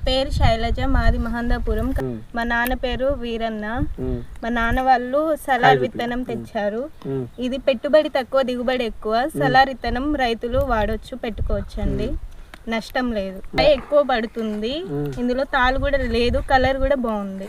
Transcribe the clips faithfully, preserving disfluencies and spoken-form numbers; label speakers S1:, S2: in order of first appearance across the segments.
S1: పేరు శైలజ, మాది మహందాపురం. మా నాన్న పేరు వీరన్న. మా నాన్న వాళ్ళు సలార్ విత్తనం తెచ్చారు. ఇది పెట్టుబడి తక్కువ, దిగుబడి ఎక్కువ. సలార్ విత్తనం రైతులు వాడొచ్చు, పెట్టుకోవచ్చు అండి, నష్టం లేదు. ఎక్కువ పడుతుంది, ఇందులో తాలు కూడా లేదు, కలర్ కూడా బాగుంది.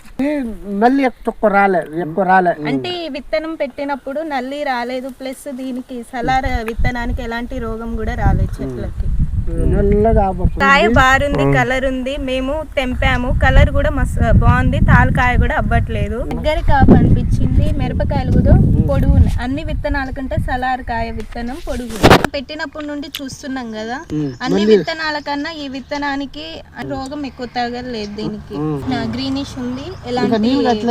S1: అంటే విత్తనం పెట్టినప్పుడు నల్లి రాలేదు, ప్లస్ దీనికి సలార్ విత్తనానికి ఎలాంటి రోగం కూడా రాలేదు చెట్లకి. కాయ బారుంది, కలర్ ఉంది. మేము తెంపాము, కలర్ కూడా మస్తు బాగుంది. తాలకాయ కూడా అవ్వట్లేదు. దగ్గర కాపు అనిపించింది. మిరపకాయలు కూడా పొడుగు ఉన్నాయి. అన్ని విత్తనాల కంటే సలార్ కాయ విత్తనం పొడుగు. పెట్టినప్పటి నుండి చూస్తున్నాం కదా, అన్ని విత్తనాల కన్నా ఈ విత్తనానికి రోగం ఎక్కువ తగలేదు. దీనికి గ్రీనిష్ ఉంది. ఎలాంటి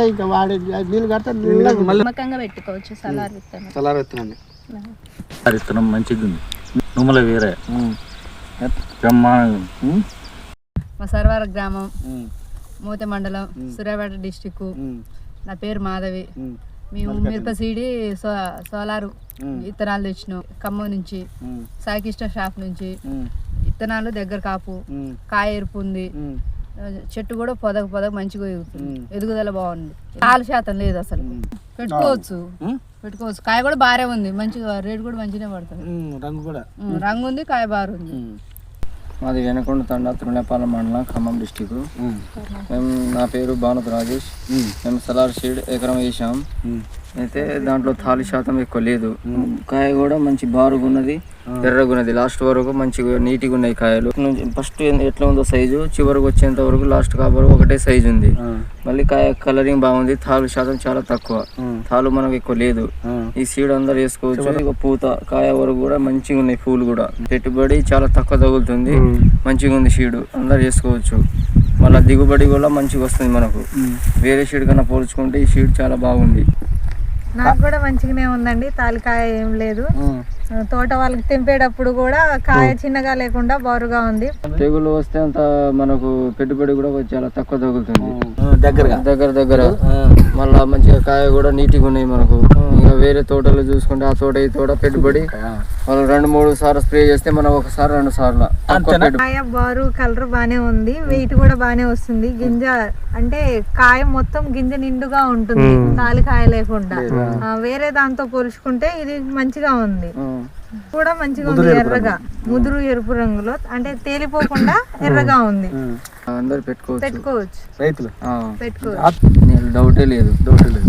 S1: నమ్మకంగా పెట్టుకోవచ్చు సలార్ విత్తనం.
S2: సలార్ విత్తనాన్ని
S3: విత్తనం మంచిగా ఉంది. నుమ్మల వేరే
S4: మా సర్వార గ్రామం, మూత మండలం, సూర్యాపేట డిస్టిక్. నా పేరు మాధవి. మేము మిరప సీడి సో సోలారు విత్తనాలు తెచ్చినాం ఖమ్మం నుంచి, సాయికిష్ట షాప్ నుంచి. విత్తనాలు దగ్గర కాపు, కాయ ఎరుపు ఉంది. చెట్టు కూడా పొదగ పొదగ మంచిగా ఎదుగుతుంది, ఎదుగుదల బాగుంది. కాలు శాతం లేదు అసలు. పెట్టుకోవచ్చు పెట్టుకోవచ్చు కాయ కూడా బాగా ఉంది, మంచిగా రేటు కూడా మంచిగా పడుతుంది.
S2: రంగు కూడా
S4: రంగు ఉంది, కాయ బాగుంది.
S5: మాది వెనకొండ తండ, తిరుమలపాలెం మండలం, ఖమ్మం డిస్టిక్. మేము నా పేరు భానుత్ రాజేష్. మేము సలార్ సీడ్ ఎకరం వేసాం. అయితే దాంట్లో తాలి శాతం ఎక్కువ లేదు. కాయ కూడా మంచి బారుగా ఉన్నది, ఎర్రగా ఉన్నది. లాస్ట్ వరకు మంచిగా నీట్గా ఉన్నాయి కాయలు. ఫస్ట్ ఎట్లా ఉందో సైజు, చివరికి వచ్చేంత వరకు లాస్ట్ కాబట్టి ఒకటే సైజు ఉంది. మళ్ళీ కాయ కలరింగ్ బాగుంది. తాలు శాతం చాలా తక్కువ, తాలు మనకు ఎక్కువ లేదు. ఈ సీడ్ అందరు వేసుకోవచ్చు. పూత కాయ వరకు కూడా మంచిగా ఉన్నాయి, పూలు కూడా. పెట్టుబడి చాలా తక్కువ తగులుతుంది, మంచిగా ఉంది సీడ్, అందరు వేసుకోవచ్చు. మళ్ళీ దిగుబడి కూడా మంచిగా వస్తుంది మనకు. వేరే సీడ్ కన్నా పోల్చుకుంటే ఈ సీడ్ చాలా బాగుంది.
S6: నాకు కూడా మంచిగానే ఉందండి. తాలికాయ ఏం లేదు. తోట వాళ్ళకి తెంపేటప్పుడు కూడా కాయ చిన్నగా లేకుండా బారుగా ఉంది.
S5: తెగులు వస్తే అంత మనకు పెట్టుబడి కూడా చాలా తక్కువ తగులుతుంది.
S2: దగ్గర
S5: దగ్గర దగ్గర మళ్ళా మంచిగా కాయ కూడా నీట్గా ఉన్నాయి మనకు. ఇంకా వేరే తోటలు చూసుకుంటే ఆ తోట ఈ తోట పెట్టుబడి వాళ్ళు రెండు మూడు సార్లు స్ప్రే చేస్తే మనం ఒకసారి రెండు సార్లు.
S6: కాయ బారు కలర్ బానే ఉంది, వెయిట్ కూడా బానే వస్తుంది. గింజ అంటే కాయ మొత్తం గింజ నిండుగా ఉంటుంది, తాలికాయ లేకుండా. వేరే దాంతో పోల్చుకుంటే ఇది మంచిగా ఉంది, కూడా మంచిగా ఉంది. ఎర్రగా ముదురు ఎరుపు రంగులో, అంటే తేలిపోకుండా ఎర్రగా ఉంది.
S5: అందరు పెట్టుకోవచ్చు
S6: పెట్టుకోవచ్చు
S2: రైతులు
S6: పెట్టుకోవచ్చు.
S5: డౌటే లేదు డౌటే లేదు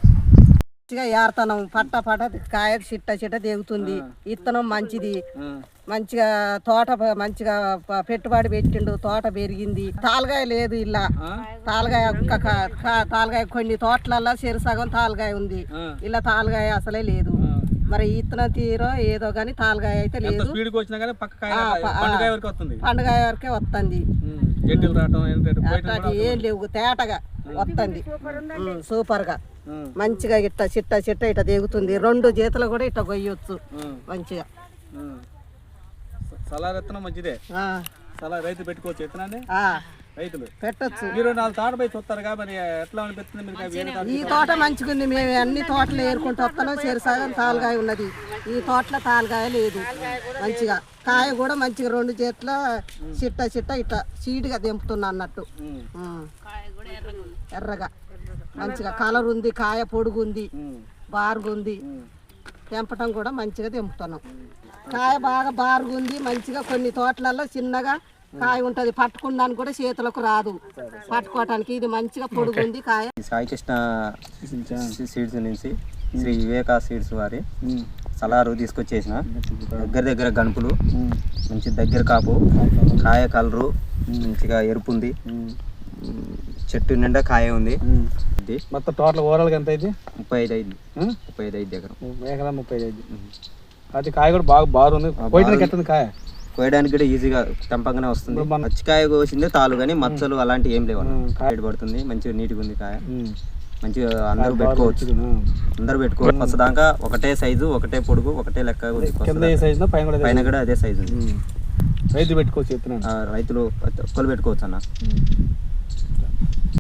S7: ఏర్తనం పట్ట పట్ట కాయ చిట్ట చిట్ట దిగుతుంది. ఇత్తనం మంచిది, మంచిగా తోట మంచిగా పెట్టుబడి పెట్టిండు, తోట పెరిగింది. తాలగాయ లేదు ఇలా, తాలగాయ తాలగాయ కొన్ని తోటలల్లో చెరు సగం తాలగాయ ఉంది, ఇలా తాలగాయ అసలే లేదు. మరి ఇత్తనం తీరో ఏదో గానీ తాలగాయ అయితే లేదు. పండుగాయ వరకే వస్తుంది, ఏం లేవు, తేటగా వస్తుంది, సూపర్ గా మంచిగా ఇట్ట చిట్ట చిట్ట ఇట్ట దిగుతుంది. రెండు చేతులు కూడా ఇట్ట కొయ్యొచ్చు మంచిగా.
S2: సలార్ విత్తనం మంచిదే, సలార్ రైతు పెట్టుకోవచ్చు విత్తనాన్ని, రైతులు
S7: పెట్టచ్చు.
S2: మీరు నాలుగు తోట పోయి చూస్తారు కాబట్టి ఎట్లా అనిపిస్తుంది?
S7: ఈ తోట మంచిగా ఉంది. మేము అన్ని తోటలు ఏరుకుంటూ వస్తాను. చెరు సగం తాలుగాయ ఉన్నది, ఈ తోటలో తాలుగాయ లేదు. మంచిగా కాయ కూడా మంచిగా రెండు చేతుల చిట్ట చిట్ట ఇట్ట చీటుగా దింపుతున్నా అన్నట్టు. ఎర్రగా మంచిగా కలర్ ఉంది, కాయ పొడుగుంది, బారుగుంది. తెంపటం కూడా మంచిగా తెంపుతున్నాం. కాయ బాగా బారుగుంది మంచిగా. కొన్ని తోటలలో చిన్నగా కాయ ఉంటది, పట్టుకున్నానికి కూడా చేతులకు రాదు పట్టుకోవటానికి. ఇది మంచిగా పొడుగుంది కాయ.
S8: సాయికృష్ణ సీడ్స్ నుంచి శ్రీ వివేకా సీడ్స్ వారి సలారు తీసుకొచ్చేసిన. దగ్గర దగ్గర గణపులు, మంచి దగ్గర కాపు, కాయ కలరు మంచిగా ఎరుపు ఉంది, చెట్టు నిండా కాయ ఉంది.
S2: మొత్తం టోటల్ ఓవరాల్ ఎంత అయితే
S8: ముప్పై ఐదు ఐదు ముప్పై ఐదు ఐదు ఎకరం
S2: ఎకరం ముప్పై ఐదు. అది కాయ కూడా బాగా బాగుంది. కోయడానికి ఎట్టుంది కాయ?
S8: కోయడానికి కూడా ఈజీగా తెంపగానే వస్తుంది. పచ్చికాయ కోసిందే తాలు కానీ మచ్చలు అలాంటివి ఏం లేవు, కాయ పడుతుంది. మంచిగా నీట్గా ఉంది కాయ, మంచిగా అందరూ పెట్టుకోవచ్చు. అందరూ పెట్టుకోవచ్చు. ఫస్ట్ దాకా ఒకటే సైజు, ఒకటే పొడుగు, ఒకటే లెక్క. పైన కూడా అదే సైజు ఉంది.
S2: రైతు పెట్టుకోవచ్చు,
S8: రైతులు ఒక్కరు పెట్టుకోవచ్చు అన్న.